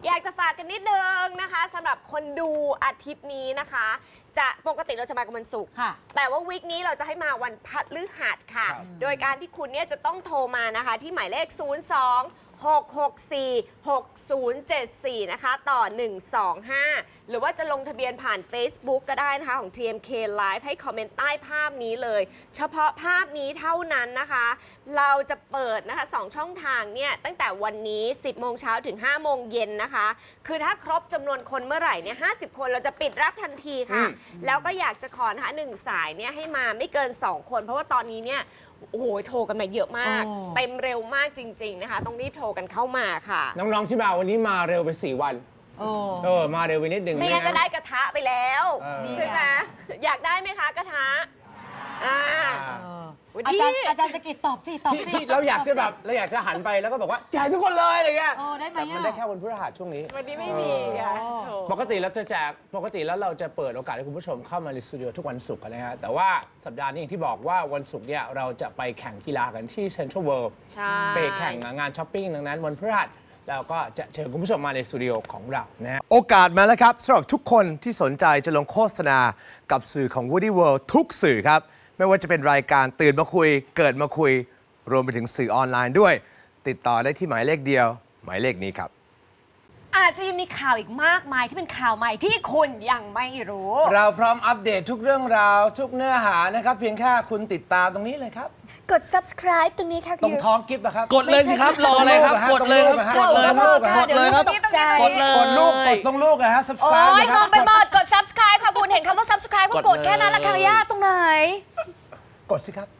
อยากจะฝากกันนิดนึงนะคะสำหรับคนดูอาทิตย์นี้นะคะ จะปกติเราจะมากันวันศุกร์แต่ว่าวีคนี้เราจะให้มาวันพฤหัสค่ะ โดยการที่คุณเนี่ยจะต้องโทรมานะคะที่หมายเลข 02-664-6074 นะคะต่อ 125 หรือว่าจะลงทะเบียนผ่าน Facebook ก็ได้นะคะของ TMK Live ให้คอมเมนต์ใต้ภาพนี้เลย เฉพาะภาพนี้เท่านั้นนะคะ เราจะเปิดนะคะ2ช่องทางเนี่ยตั้งแต่วันนี้ 10 โมงเช้าถึง 5 โมงเย็นนะคะ คือถ้าครบจำนวนคนเมื่อไหร่เนี่ย 50 คนเราจะปิดรับทันทีค่ะ แล้วก็อยากจะขอนะคะ1สายเนี่ยให้มาไม่เกิน 2 คน เพราะว่าตอนนี้เนี่ยโอ้โหโทรกันมาเยอะมากเต็มเร็วมากจริงๆนะคะต้องรีบโทรกันเข้ามาค่ะน้องๆที่มาวันนี้มาเร็วไป4 วันมาเร็วไปนิดนึงไม่งั้นก็ได้กระทะไปแล้วใช่ไหมอยากได้ไหมคะกระทะอาจารย์จะกิจตอบสิเราอยากจะแบบเราอยากจะหันไปแล้วก็บอกว่าแจกทุกคนเลยอะไรเงี้ยได้ไหมมันได้แค่วันพฤหัสช่วงนี้วันนี้ไม่มีค่ะปกติเราจะแจกปกติแล้วเราจะเปิดโอกาสให้คุณผู้ชมเข้ามาในสตูดิโอทุกวันศุกร์นะฮะแต่ว่าสัปดาห์นี้อย่างที่บอกว่าวันศุกร์เนี่ยเราจะไปแข่งกีฬากันที่เซ็นทรัลเวิลด์ไปแข่งงานช้อปปิ้งดังนั้นวันพฤหัสเราก็จะเชิญคุณผู้ชมมาในสตูดิโอของเรานะฮะโอกาสมาแล้วครับสำหรับทุกคนที่สนใจจะลงโฆษณากับสื่อของ Woody World ทุกสื่อครับไม่ว่าจะเป็นรายการตื่นมาคุยเกิดมาคุยรวมไปถึงสื่อออนไลน์ด้วยติดต่อได้ที่หมายเลขเดียวหมายเลขนี้ครับอาจจะยังมีข่าวอีกมากมายที่เป็นข่าวใหม่ที่คุณยังไม่รู้เราพร้อมอัปเดตทุกเรื่องราวทุกเนื้อหานะครับเพียงแค่คุณติดตามตรงนี้เลยครับกด subscribe ตรงนี้ค่ะตรงท้องกิฟต์นะครับกดเลยสิครับรอเลยครับกดเลยครับกดเลยครับกดเลยครับกดเลยกดลูกกดตรงลูกนะฮะ subscribe โอ้ยมองไปหมดกด subscribe ค่ะคุณเห็นคำว่า subscribe ก็กดแค่นั้นละค่ะยากตรงไหนกดสิครับ